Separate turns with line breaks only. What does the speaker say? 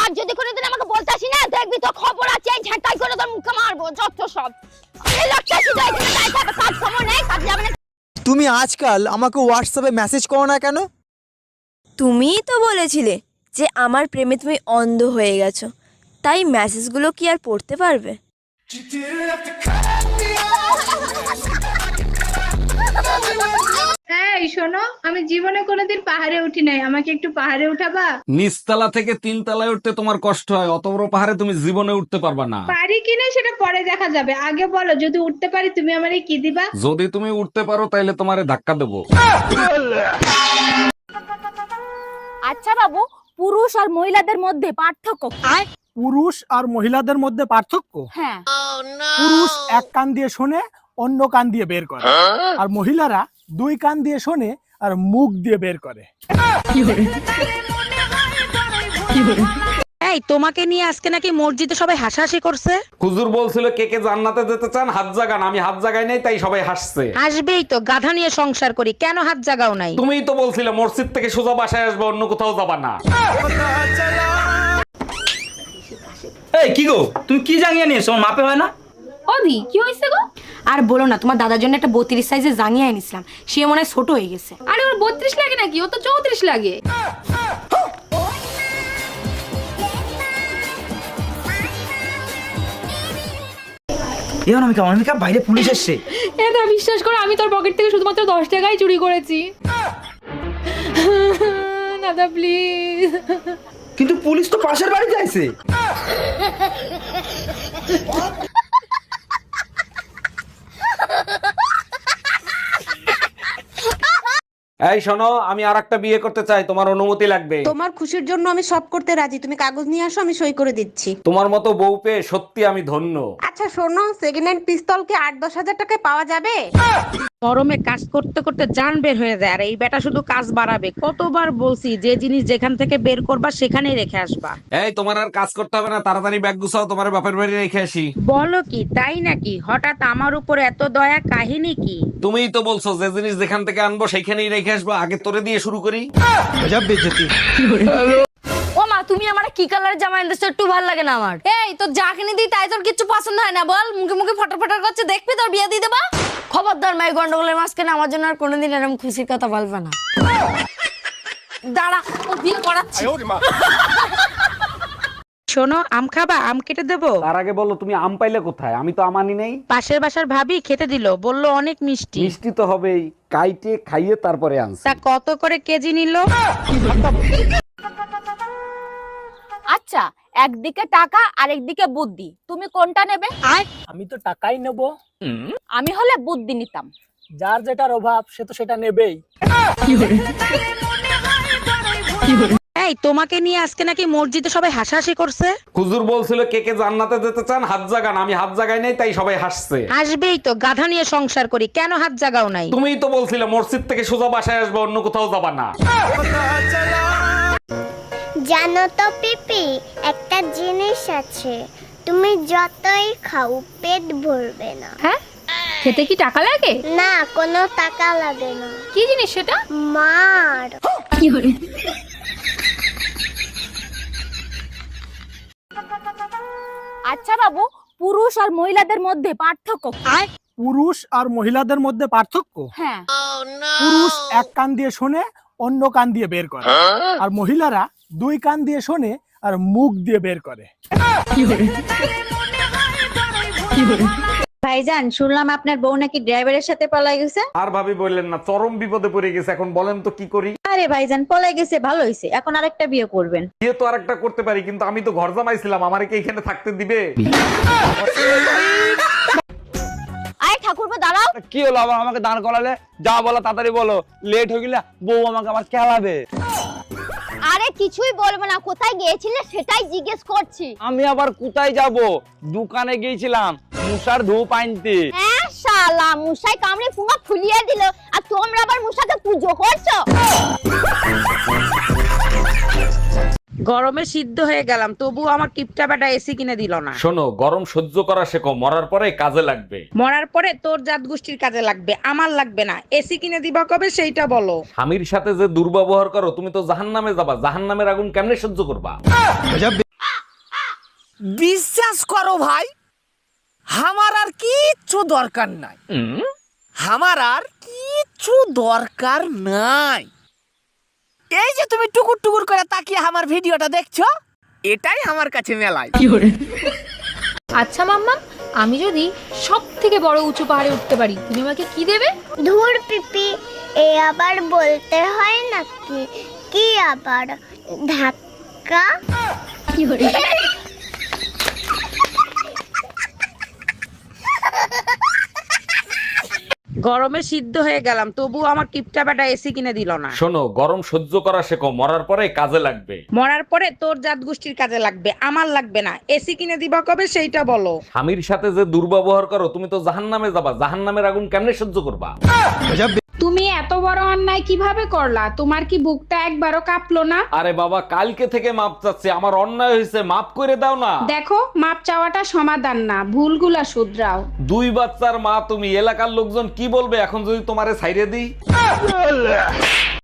আর যদি কোনোদিন আমাকে বলতে আসি না, দেখবি তো খবর আছে, ঝাঁটাই করে তোর মুখে মারবো যত সব। আমি লাগতাছি যাই না, তাই থাকে কাজ খবর নেই, কাজ যাবে না।
তুমি আজকাল আমাকে হোয়াটসঅ্যাপে মেসেজ করো না কেন?
তুমিই তো বলেছিলে যে আমার প্রেমে তুমি অন্ধ হয়ে গেছো, তাই মেসেজগুলো কি আর পড়তে পারবে?
এই শোনো, আমি জীবনে কোনোদিন পাহাড়ে উঠি নাই, আমাকে একটু পাহাড়ে উঠাবা?
নিচতলা থেকে তিনতলায় উঠতে তোমার কষ্ট হয়, অত বড় পাহাড়ে তুমি জীবনে উঠতে পারবা না।
পারি কিনা সেটা পরে দেখা যাবে, আগে বলো যদি উঠতে পারি তুমি আমারে কি দিবা?
যদি তুমি উঠতে পারো তাইলে তোমারে ধাক্কা দেবো।
আচ্ছা বাবু, পুরুষ আর মহিলাদের মধ্যে পার্থক্য কি?
পুরুষ আর মহিলাদের মধ্যে পার্থক্য?
হ্যাঁ।
পুরুষ এক কান দিয়ে শোনে, অন্য কান দিয়ে বের করে, আর মহিলারা দুই কান দিয়ে শোনে আর মুখ দিয়ে বের করে।
এই তোমাকে নিয়ে আজকে নাকি মসজিদে সবাই হাসাহাসি করছে।
হুজুর বলছিল কে কে জান্নাতে যেতে চান হাত জাগান, আমি হাত জাগাই নাই তাই সবাই হাসছে।
আসবেই তো, গাধা নিয়ে সংসার করি, কেন হাত জাগাও নাই?
তুমিই তো বলছিলে মসজিদ থেকে সোজা বাসায় আসবে, অন্য কোথাও যাবা না।
এই কি গো, তুমি কি জাঙ্গিয়া নিয়েছো? আমার মাপে হয় না।
ওদি কি হয়েছে গো? আর বলো না, তোমার দাদার জন্য একটা 32 সাইজের জাঙ্গিয়া এনেছিলাম, সে মনে হয় ছোট হয়ে গেছে। আরে ওর 32 লাগে নাকি, ও তো 34 লাগে।
এই অনামিকা, অনামিকা বাইরে পুলিশ এসছে।
এটা বিশ্বাস করো, আমি তোর পকেট থেকে শুধুমাত্র 10 টাকাই চুরি করেছি। দাদা প্লিজ।
কিন্তু পুলিশ তো পাশের বাড়িতে আছে।
এই শোনো, আমি আরেকটা বিয়ে করতে চাই, তোমার অনুমতি লাগবে।
তোমার খুশির জন্য আমি সব করতে রাজি, তুমি কাগজ নিয়ে আসো, আমি সই করে দিচ্ছি।
তোমার মতো বউ পেয়ে সত্যি আমি ধন্য।
আচ্ছা শোনো, সেকেন্ড হ্যান্ড পিস্তল কি 8-10 হাজার টাকায় পাওয়া যাবে? গরমে কাজ করতে করতে জান বের হয়ে যায়, আর এই বেটা শুধু কাজ বাড়াবে। কতবার বলছি যে জিনিস যেখান থেকে বের করবা সেখানেই রেখে আসবা।
এই তোমার আর কাজ করতে হবে না, তাড়াতাড়ি ব্যাগ গুছাও, তোমার বাপের বাড়ি রেখে আসি।
বলো কি, তাই নাকি? হঠাৎ আমার উপর এত দয়া, কাহিনী কি?
তুমিই তো বলছো যে জিনিস যেখান থেকে আনবো সেইখানেই রেখে আসবো, আগে তোরে দিয়ে শুরু করি।
ও মা, তুমি আমার কি কালারের জামা এনেছো? একটু ভালো লাগে না আমার।
এই তোর যা কিনে দিই তাই তোর কিছু পছন্দ হয় না? বল, মুখে মুখে ফটর ফটর করছে, দেখবি তোর বিয়ে দিয়ে দেবা।
খবরদার মাই, গন্ডগোলের মাঝখানে আমার জন্য আর কোনোদিন এরকম খুশির কথা বলবে না।
দাঁড়া, ও বিয়ে করাচ্ছি।
শোনো, আম খাবা? আম কেটে দেবো?
তার আগে বলো তুমি আম পাইলে কোথায়? আমি তো আমানি নেই।
পাশের বাসার ভাবি খেতে দিল, বললো অনেক মিষ্টি।
মিষ্টি তো হবেই, কাইটে খাইয়ে তারপরে আনছি।
তা কত করে কেজি নিল?
আচ্ছা, একদিকে টাকা আর একদিকে বুদ্ধি, তুমি কোনটা নেবে?
আমি তো টাকাই নেব।
আমি হলে বুদ্ধি নিতাম।
যার যেটার অভাব সে তো সেটা নেবেই।
এই তোমাকে নিয়ে আজকে নাকি মসজিদে সবাই হাসাহাসি করছে।
হুজুর বলছিল কে কে জান্নাতে যেতে চান হাত জাগান, আমি হাত জাগাই নাই তাই সবাই হাসছে।
আসবেই তো, গাধা নিয়ে সংসার করি, কেন হাত জাগাও নাই?
তুমিই তো বলছিলে মসজিদ থেকে সোজা বাসায় আসবে, অন্য কোথাও যাবা না।
জানো তো পিপি, একটা জিনিস আছে, তুমি যতই খাও পেট ভরবে না।
হ্যাঁ, খেতে কি টাকা লাগে?
না, কোনো টাকা লাগে না।
কি জিনিস সেটা?
মার।
আচ্ছা বাবু, পুরুষ আর মহিলাদের মধ্যে পার্থক্য কি?
পুরুষ আর মহিলাদের মধ্যে পার্থক্য?
হ্যাঁ।
পুরুষ এক কান দিয়ে শোনে, অন্য কান দিয়ে বের করে, আর মহিলারা দুই কান দিয়ে শোনে আর মুখ দিয়ে বের করে।
ভাইজান, শুনলাম আপনার বউ নাকি ড্রাইভারের সাথে পলাই গেছে।
আর ভাবি বললেন না, চরম বিপদে পড়ে গেছে, এখন বলেন তো কি করি?
আরে ভাইজান, পলাই গেছে ভালো হইছে, এখন আরেকটা বিয়ে করবেন।
বিয়ে তো আরেকটা করতে পারি, কিন্তু আমি তো ঘর জামাইছিলাম, আমারে কি এখানে থাকতে দিবে?
আয় ঠাকুরপো, দাঁড়াও।
কি হলো আবার আমাকে দাঁড় করালে? যা বলো তাড়াতাড়ি বলো, লেট হয়ে গেলে বউ আমাকে আবার খেলাবে।
আরে কিছুই বলবো না, কোথায় গিয়েছিলে সেটাই জিজ্ঞেস করছি।
আমি আবার কোথায় যাব? দোকানে গিয়েছিলাম মুসার ধূপ আনতে।
হ্যাঁ শালা, মুসাই কামড়ে পুঙ্গা ফুলিয়ে দিল, আর তোমরা আবার মুসাকে পুজো করছো।
গরমে সিদ্ধ হয়ে গেলাম, তবু আমার কিপটা বেটা এসি কিনে দিল না।
শোনো, গরম সহ্য করা শেখো, মরার পরে কাজে লাগবে।
মরার পরে তোর জাত গোষ্ঠীর কাজে লাগবে, আমার লাগবে না। এসি কিনে দিবা কবে সেইটা বলো।
স্বামীর সাথে যে দুর্ব্যবহার করো, তুমি তো জাহান্নামে যাবা। জাহান্নামের আগুন কেমনে সহ্য করবা?
বিশ্বাস করো ভাই, আমার আর কিচ্ছু দরকার নাই, আমার আর কিচ্ছু দরকার নাই। এই যে তুমি টুকুর টুকুর করে তাকিয়ে আমার ভিডিওটা দেখছো, এটাই আমার কাছে মেলায়।
আচ্ছা মাম্মা, আমি যদি সব থেকে বড় উঁচু পাহাড়ে উঠতে পারি, তুমি আমাকে কি দেবে?
ধুর পিপি, এ আবার বলতে হয় নাকি? কি আবার ধাক্কা?
গরমে সিদ্ধ হয়ে গেলাম, তবুও আমার কিপটা বেটা এসি কিনে দিল না।
শোনো, গরম সহ্য করা শেখো, মরার পরে কাজে লাগবে।
মরার পরে তোর জাত গোষ্ঠীর কাজে লাগবে, আমার লাগবে না। এসি কিনে দিবা কবে সেইটা বলো।
স্বামীর সাথে যে দুর্ব্যবহার করো, তুমি তো জাহান্নামে যাবা। জাহান্নামের আগুন কেমনে সহ্য করবা?
তুমি এত বড় অন্যায় কিভাবে করলা? তোমার কি বুকটা একবারও কাঁপলো না?
আরে বাবা, কালকে থেকে মাপ চাচ্ছি, আমার অন্যায় হয়েছে, মাপ করে দাও না।
দেখো, মাপ চাওয়াটা সমাধান না, ভুলগুলা শুধরাও।
2 বাচ্চার মা তুমি, এলাকার লোকজন কি বলবে এখন যদি তোমারে ছাইরে দিই?